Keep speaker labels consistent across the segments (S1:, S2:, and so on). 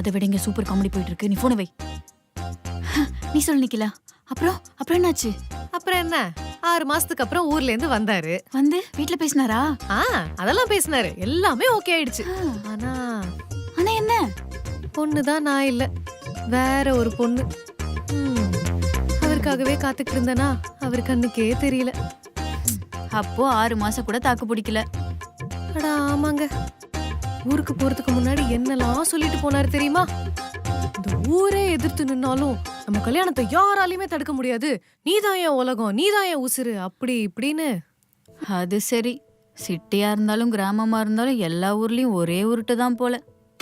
S1: அதை விட இங்க சூப்பர் காமெடி போயிட்டு இருக்கு. நீ போன வை. நீ சொல்லு நிக்கிலா. அப்புறம் என்னாச்சு?
S2: அப்புறம் என்ன, 6 மாசத்துக்கு அப்புறம் ஊர்ல இருந்து வந்தாரு.
S1: வந்து வீட்ல பேசினாரா?
S2: அதெல்லாம் பேசினாரு, எல்லாமே ஓகே ஆயிடுச்சு. ஆனா
S1: என்ன?
S2: பொண்ணுதான் நான் இல்ல, வேற ஒரு பொண்ணு. அவருக்காகவே காத்துக்கிட்டு இருந்தனா அவர் கண்ணுக்கே தெரியல.
S1: அப்போ 6 மாசம் கூட தாக்கு பிடிக்கல.
S2: அடா ஆமாங்க, ஊருக்கு போறதுக்கு முன்னாடி என்னெல்லாம் சொல்லிட்டு போனாரு தெரியுமா? இந்த ஊரே எதிர்த்து நின்னாலும் நம்ம கல்யாணத்தை யாராலையுமே தடுக்க முடியாது, நீதான் என் உலகம், நீதான் என் உசுரு, அப்படி இப்படின்னு.
S1: அது சரி, சிட்டியா இருந்தாலும் கிராமமா இருந்தாலும் எல்லா ஊர்லயும் ஒரே உருட்டு தான் போல.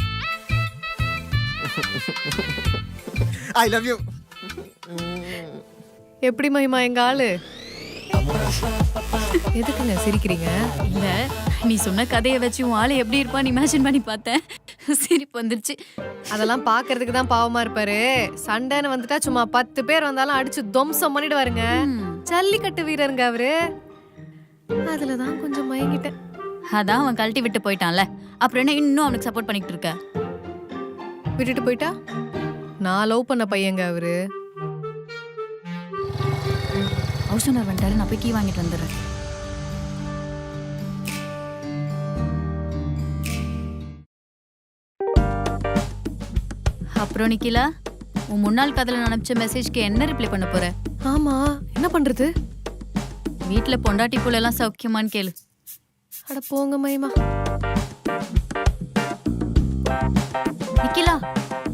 S3: I love you.
S2: எப்படி மகிமா எங்க ஆளு? எதுக்குங்க சிரிக்கிறீங்க?
S1: இல்ல, நீ சொன்ன கதையை வச்சு உன் ஆளு எப்படி இருப்பான்னு இமேஜின் பண்ணி பார்த்தேன். சிரிப்பு வந்துருச்சு.
S2: அதெல்லாம் பாக்குறதுக்கு தான் பாவமா இருப்பாரு. சண்டைன்னு வந்துட்டா சும்மா 10 பேர் வந்தாலும் அடிச்சு துவம்சம் பண்ணிடுவாருங்க. ஜல்லிக்கட்டு வீரருங்க அவரு. அதுலதான் கொஞ்சம் மயங்கிட்டேன்.
S1: அதான் அவன் கழட்டி விட்டு போயிட்டான்ல, அப்புறம் என்ன இன்னும் அவனுக்கு சப்போர்ட் பண்ணிட்டு இருக்க?
S2: விட்டுட்டு போயிட்டா? நான் லவ் பண்ண பையங்க அவரு.
S1: ஹவுஸ் ஓனர் வந்துட்டாரு, நான் போய் கீ வாங்கிட்டு வந்துடுறேன். அப்புறம் நிக்கிலா, உன் முன்னாள் காதல அனுப்பிச்ச மெசேஜ்க்கு என்ன ரிப்ளை பண்ண போற?
S2: ஆமா, என்ன பண்றது?
S1: வீட்டுல பொண்டாட்டி புள்ள எல்லாம் சௌக்கியமான்னு கேளு.
S2: அட போங்க மயிமா.
S1: நிக்கிலா,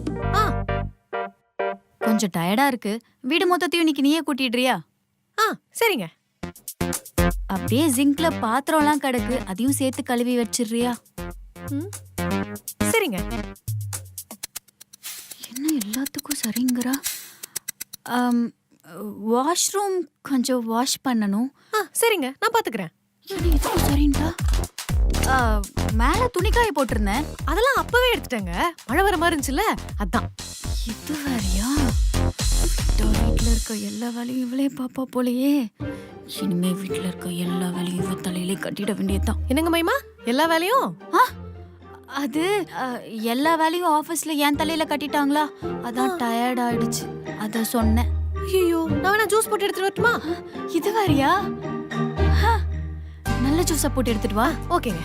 S1: கொஞ்சம் டயர்டா இருக்கு, வீடு மொத்தத்தையும் இன்னைக்கு நீயே கூட்டிடுறியா?
S2: சரிங்க.
S1: அப்படியே ஜிங்க்ல பாத்திரம் எல்லாம் கிடக்கு, அதையும் சேர்த்து கழுவி வச்சிடுறியா?
S2: சரிங்க.
S1: என்ன எல்லாத்துக்கும் சரிங்கறா? வாஷ்ரூம் கொஞ்சம் வாஷ் பண்ணணும்.
S2: சரிங்க, நான் பாத்துக்கிறேன்.
S1: சரிங்களா? மேல துணிக்காய போட்டிருந்தேன்,
S2: அதெல்லாம் அப்பவே எடுத்துட்டேங்க. மழை வர மாதிரி இருந்துச்சுல்ல, அதான்.
S1: இது வேறையா? வீட்டுல இருக்க எல்லா வேலையும் இவளே பாப்பா போலயே. இனிமே வீட்டுல இருக்க எல்லா வேலையும் இவ தலையிலே கட்டிட வேண்டியதுதான்.
S2: என்னங்க மைமா, எல்லா வேலையும்?
S1: அது எல்லா வேலையும் ஆபீஸ்ல என் தலையில கட்டிட்டாங்களா, அதான் டயர்ட் ஆயிடுச்சு, அத சொன்னேன்.
S2: ஐயோ, நான் வேணா ஜூஸ் போட்டு எடுத்துட்டு வரட்டுமா?
S1: இது வேறையா? நல்ல ஜூஸா போட்டு எடுத்துட்டு வா.
S2: ஓகேங்க.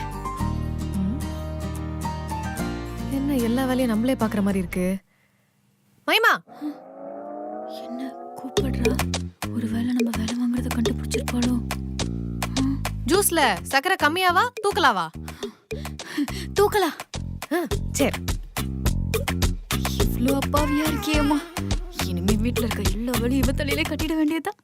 S2: என்ன எல்லா வேலையும் நம்மளே பாக்குற மாதிரி இருக்கு. மைமா,
S1: என்ன கூப்பிடுறா? ஒருவேளை நம்ம வேலை வாங்குறத கண்டுபிடிச்சிருப்பாளோ?
S2: ஜூஸ்ல சக்கரை கம்மியாவா தூக்கலாவா?
S1: தூக்கலா.
S2: சரி.
S1: இவ்ளோ அப்பாவியா இருக்கியேம்மா, இனிமே வீட்டுல இருக்க எல்லா வேலையும் இவ தலையிலே கட்டிட வேண்டியதுதான்.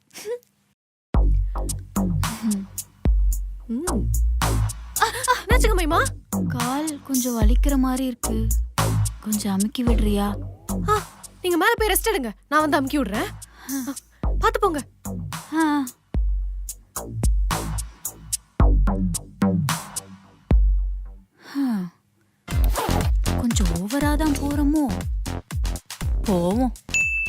S2: என்னாச்சுங்க மைமா?
S1: கால் கொஞ்சம் வலிக்கிற மாதிரி இருக்கு, கொஞ்சம் அமுக்கி விடுறியா?
S2: நீங்க மேல போய் ரெஸ்ட் எடுங்க, நான் வந்து அமுக்கி விடுறேன். பாத்து போங்க.